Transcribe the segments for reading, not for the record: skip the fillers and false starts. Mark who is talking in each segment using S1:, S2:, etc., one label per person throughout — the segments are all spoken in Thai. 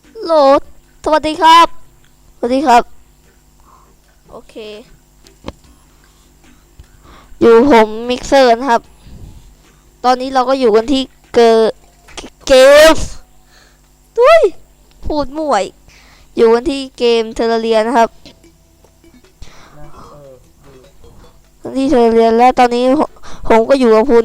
S1: โหลดสวัสดีครับสวัสดีครับโอเคอยู่ผมมิกเซอร์นะครับตอนนี้เราก็อยู่กันที่เกมดุยพูดมั่วอีกอยู่กันที่เกมเทเลเรียนะครับ
S2: นะ
S1: ที่เทเลเรียและตอนนี้ผมก็อยู่กับคุณ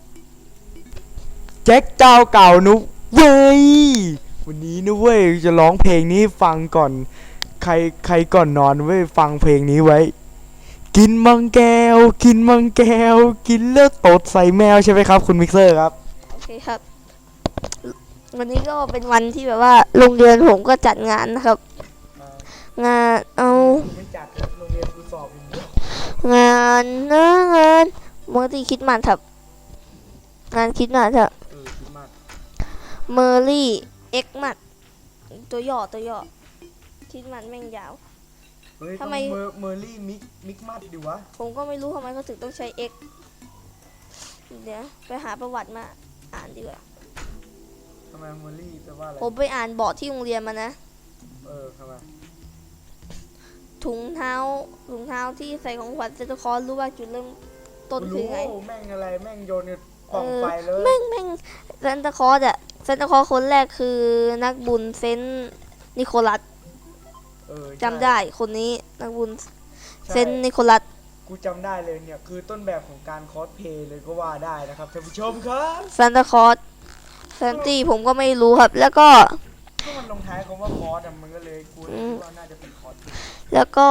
S2: แจ็คเจ้าเก่านุ๊กเว้ยวันนี้นะเว้ยจะร้องเพลงนี้ฟังก่อนใครก่อนนอนเว้ยฟังเพลงนี้ไว้กินมังแก้วกินมังแก้วกินแล้วตดใส่แมวใช่ไหมครับคุณมิกเซอร์ครับ
S1: โอเคครับวันนี้ก็เป็นวันที่แบบว่าโรงเรียนผมก็จัดงานนะครับงาน
S2: ไม่จัดโรงเรียนกูสอบอย่างเดียว
S1: งานนะงานเมื่อที่คิดมันครับงานคิดมันครับ
S2: คิดมาก
S1: เมอร์รี่เอ็กมัดตัวย่อคิดมันแม่งยาว
S2: เฮ้ยทำไมเมอร์รี่มิกมัดดิวะ
S1: ผมก็ไม่รู้ทำไมเขาถึงต้องใช้เอ็กเดี๋ยวไปหาประวัติมาอ่านดีกว่า
S2: ทำไมเมอร์รี่แปลว่าอะไร
S1: ผมไปอ่านบอร์ดที่โรงเรียนมานะ
S2: ทำไม
S1: ถุงเท้าที่ใส่ของขวัญเซนต์คอร์รู้ว่าจุดเริ่มต้นคือไง
S2: แม่งอะไรแม่งโยนกล่องไฟเลย
S1: แม่งเซนต์คอร์เซนต์คอร์คนแรกคือนักบุญเซนต์นิโคลัสจำได้คนนี้นักบุญเซนต์นิโคลัส
S2: กูจำได้เลยเนี่ยคือต้นแบบของการคอสเพลย์เลยก็ว่าได้นะครับท่านผู้ชมครับ
S1: ซานตาคอร์แซนตี้ผมก็ไม่รู้ครับแล้วก็
S2: มันลงท้ายคำว่าคอสมันก็เลยกูคิดว่าน่าจะเป็นคอส
S1: แล้วก็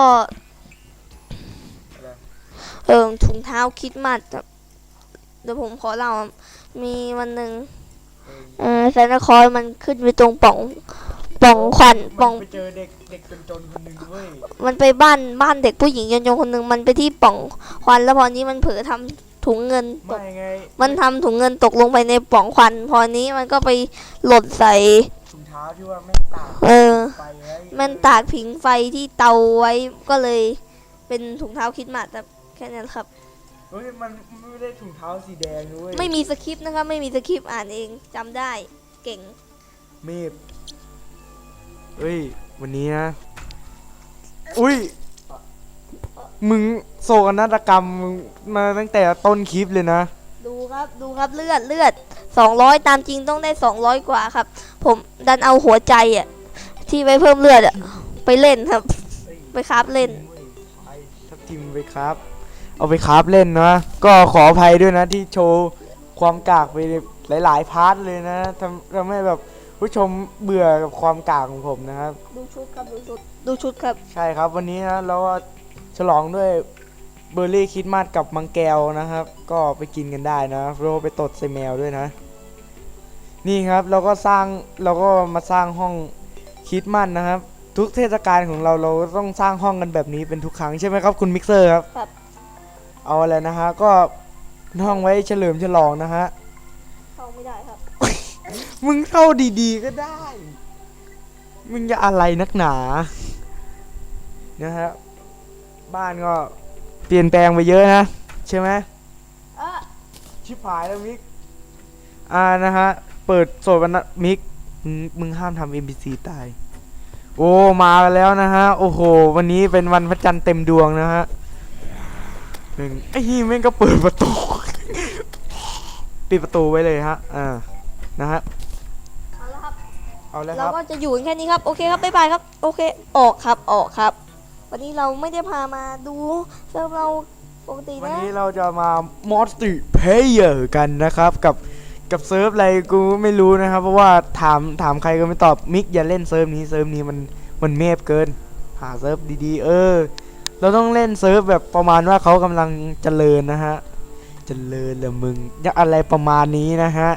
S1: ถุงเท้าคิดมัดครับเดี๋ยวผมขอเล่ามีวันหนึ่งซานตาคอร์มันขึ้นไปตรงป่องควันป่อง
S2: ไปเจอเด็กจนคนหนึ่งเว้ย
S1: มันไปบ้านเด็กผู้หญิงยนคนหนึ่งมันไปที่ป่องควันแล้วพอนี้มันเผลอทำถุงเงินตกมันทำถุงเงินตกลงไปในป่องควันพอนี้มันก็ไปหล่นใส่
S2: ถุงเท้าที่ว่าแม่ตาก
S1: มันตากผิงไฟที่เตาไว้ก็เลยเป็นถุงเท้าคิดมาแต่แค่นั้นครับ
S2: เฮ้ยมันไม่ได้ถุงเท้าสีแดงด้วย
S1: ไม่มีสคริปต์นะครับไม่มีสคริปต์อ่านเองจำได้เก่ง
S2: เมฟเฮ้ยวันนี้นะอุ้ยมึงโศกนาฏกรรมมาตั้งแต่ต้นคลิปเลยนะ
S1: ดูครับเลือด200ตามจริงต้องได้200กว่าครับผมดันเอาหัวใจอ่ะที่ไปเพิ่มเลือดอ่ะไปเล่นครับไปคราฟเล่น
S2: ทับทิมไปครับเอาไปคราฟเล่นนะก็ขออภัยด้วยนะที่โชว์ความกากไปหลายๆพาร์ทเลยนะทำให้แบบผู้ชมเบื่อกับความกากของผมนะครับ
S1: ดูชุดครับ
S2: ใช่ครับวันนี้นะเราก็ฉลองด้วยเบอร์รี่คิดมาสกับมังแก้วนะครับก็ไปกินกันได้นะเราไปตดใส่แมวด้วยนะนี่ครับเราก็มาสร้างห้องคิดมาสนะครับทุกเทศกาลของเราต้องสร้างห้องกันแบบนี้เป็นทุกครั้งใช่ไหมครับคุณมิกเซอร์ครับเอาอะไรนะฮะก็ห้องไว้เฉลิมฉลองนะฮะ
S1: เข้าไม่ได้ครับ
S2: มึงเข้าดีๆก็ได้มึงจะอะไรนักหนานะฮะบ้านก็เปลี่ยนแปลงไปเยอะนะใช่ไหมชิบหายแล้วมิกนะฮะเปิดโสดวันนะมิกมึงห้ามทำ NPC ตายโอ้มาแล้วนะฮะโอ้โหวันนี้เป็นวันพระจันทร์เต็มดวงนะฮะไอ้นี่แม่งก็เปิดประตูปิดประตูไว้เลยฮะนะฮะเอาแล้วครับ
S1: เราก็จะอยู่แค่นี้ครับโอเคครับบ๊ายบายครับโอเคออกครับวันนี้เราไม่ได้พามาดูเซิร์ฟเราปกตินะ
S2: วันนี้เราจะมา multiplayer กันนะครับกับเซิร์ฟอะไรกูไม่รู้นะครับเพราะว่าถามใครก็ไม่ตอบมิกอย่าเล่นเซิร์ฟนี้มันเมฟเกินหาเซิร์ฟดีๆเราต้องเล่นเซิร์ฟแบบประมาณว่าเขากำลังเจริญนะฮะเจริญเหรอมึงอย่าอะไรประมาณนี้นะฮะ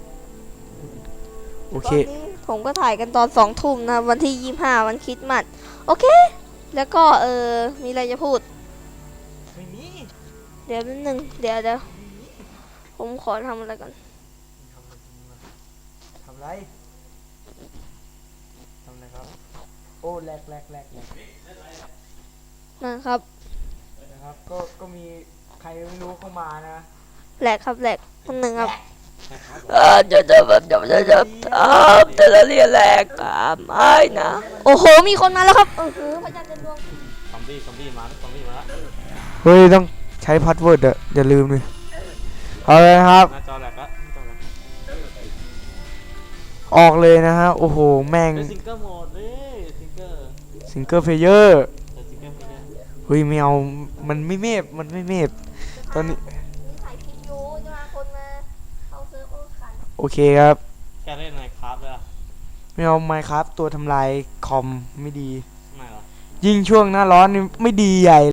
S2: โอเค
S1: ผมก็ถ่ายกันตอน2 ทุ่มนะวันที่25วันคริสต์มาสโอเคแล้วก็มีอะไรจะพูด
S2: ไม่มี
S1: เดี๋ยวนิดนึงเดี๋ยวผมขอทำอะไรก่อน
S2: ทำอะไรครับโอ้แหลก
S1: นะครับ
S2: ก็มีใครไม่รู้เข้ามานะ
S1: แหลกคนหนึ่งครับแต่ละเรียนแรกไม่นะโอ้โหมีคนมาแล้วครับพระจันทร์เต็มดวง
S3: ซอมบี้มาแล้วซอมบี้มาแล้ว
S2: เฮ้ยต้องใช้พาสเวิร์ดอะอย่าลืมเลยเอาเลยครับ
S3: หน้าจอแหลกละหน้าจอแหลก
S2: ออกเลยนะฮะโอ้โหแม่ง
S3: เป็นซิงเกิลโหมดเลยซิงเกิล
S2: ซิงเกิลเพลเยอร์
S3: ซิงเกิลไม่ได้
S2: เฮ้ยไม่เอามันไม่เมฟตอนนี้
S1: มีถ่ายคลิปอยู่จะมาคนมาเข้าเซิร์ฟเวอร์ขัน
S2: โอเคครับ
S3: แกเล่นไมค์ครับเลยอ่ะ
S2: ไม่เอาไมค์ครับตัวทำลายคอมไม่ดี
S3: ไม่หรอ
S2: ยิ่งช่วงหน้าร้อนนี่ไม่ดีใหญ่